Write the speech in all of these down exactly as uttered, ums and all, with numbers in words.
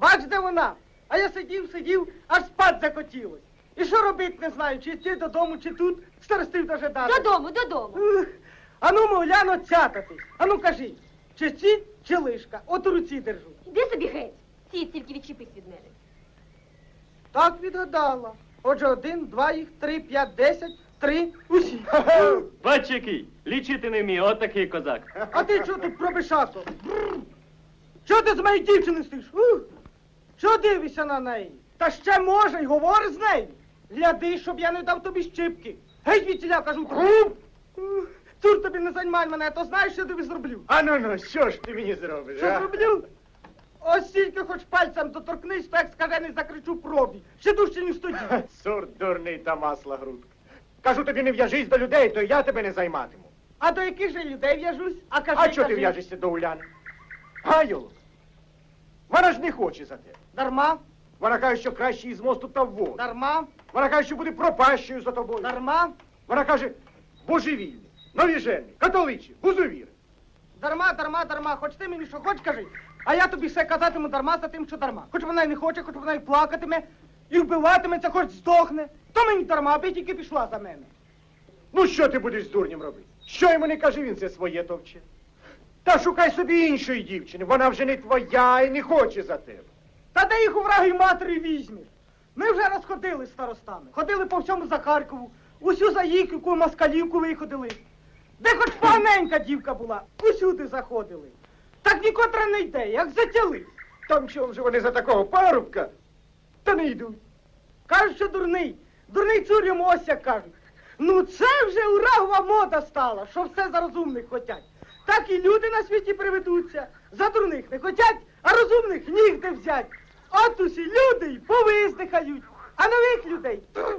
Бач, де вона. А я сидів, сидів, аж спать захотілось. І що робити не знаю, чи йти додому, чи тут, старостив дожидати. Додому, додому. Ух, ану, мовляно, цятатись. Ану, кажи, чи ці, чи лишка. От у руці держу. Іди собі геть. Ці тільки відчепись від мене. Так відгадала. Отже, один, два їх, три, п'ять, десять, три, усі. Бач який, лічити не вміє, от такий козак. А ти чого тут пробишато? Чого ти з моєї дівчини стоїш? Ух! Чого дивишся на неї? Та ще може й говори з нею. Гляди, щоб я не дав тобі щипки. Геть відтіля, кажу. Ух, Цур тобі не займай мене, а то знаєш, що я тобі зроблю. А ну ну, що ж ти мені зробиш? Що а? зроблю? Ось тільки хоч пальцем доторкнись, то як скажений закричу пробі. Ще дужче, ніж тоді. Сур дурний та масла грудка. Кажу тобі, не в'яжись до людей, то я тебе не займатиму. А до яких же людей в'яжусь? А кажи, А чого ти кажи. в'яжешся до Уляни? Гайоло, вона ж не хоче за тебе. Дарма, Вона каже, що краще із мосту та в воду. дарма, Вона каже, що буде пропащою за тобою. дарма, Вона каже, божевільний, новіжений, католичий, гузовір. дарма, дарма, дарма. Хоч ти мені що хоч кажи. А я тобі все казатиму дарма за тим, що дарма. Хоч вона й не хоче, хоч вона й плакатиме, і вбиватиметься, хоч здохне. То мені дарма, аби тільки пішла за мене. Ну що ти будеш з дурнем робити? Що йому не каже, він це своє товче. Та шукай собі іншої дівчини, вона вже не твоя і не хоче за тебе. Та де їх у враги матері візьмеш? Ми вже розходили з старостами. Ходили по всьому Захаркову, усю Заїківку, Москалівку виходили. Де хоч поганенька дівка була, усюди заходили. Так нікотра не йде, як затяли. Там чом же вони за такого парубка? Та не йдуть. Кажуть, що дурний. Дурний цур йому ось як кажуть. Ну це вже урагова мода стала, що все за розумних хотять. Так і люди на світі приведуться. За дурних не хотять, а розумних нігде взять. От усі люди й повиздихають, а нових людей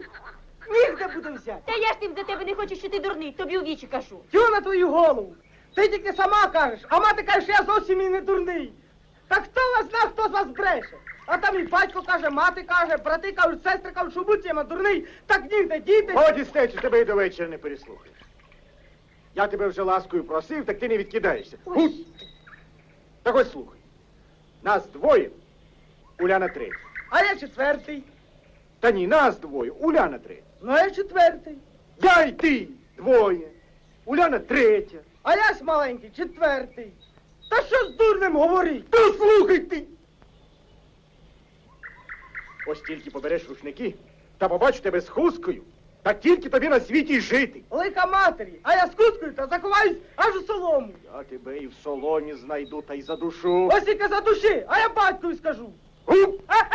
нігде буде взяти. Та я ж тим за тебе не хочу, що ти дурний, тобі у вічі кажу. Тю на твою голову. Ти тільки сама кажеш, а мати каже, що я зовсім і не дурний. Та хто вас зна, хто з вас бреше? А там і батько каже, мати каже, брати кажуть, сестри кажуть, що будь я дурний, так нігде діти. Годі, стечу, тебе і до вечора не переслухаєш. Я тебе вже ласкою просив, так ти не відкидаєшся. Гусь! Так ось слухай. Нас двоє, Уляна третя. А я четвертий. Та ні, нас двоє, Уляна третя. Ну, а я четвертий. Я й ти двоє, Уляна третя. А я ж маленький, четвертий. Та що з дурним говорить? Та слухай ти! Ось тільки побереш рушники, та побачу тебе з хусткою, та тільки тобі на світі й жити. Лика матері, а я з кускою та заховаюсь аж у солому. Я тебе і в соломі знайду, та й задушу. Ось тільки за душі, а я батькові скажу. Гуп! Ха-ха!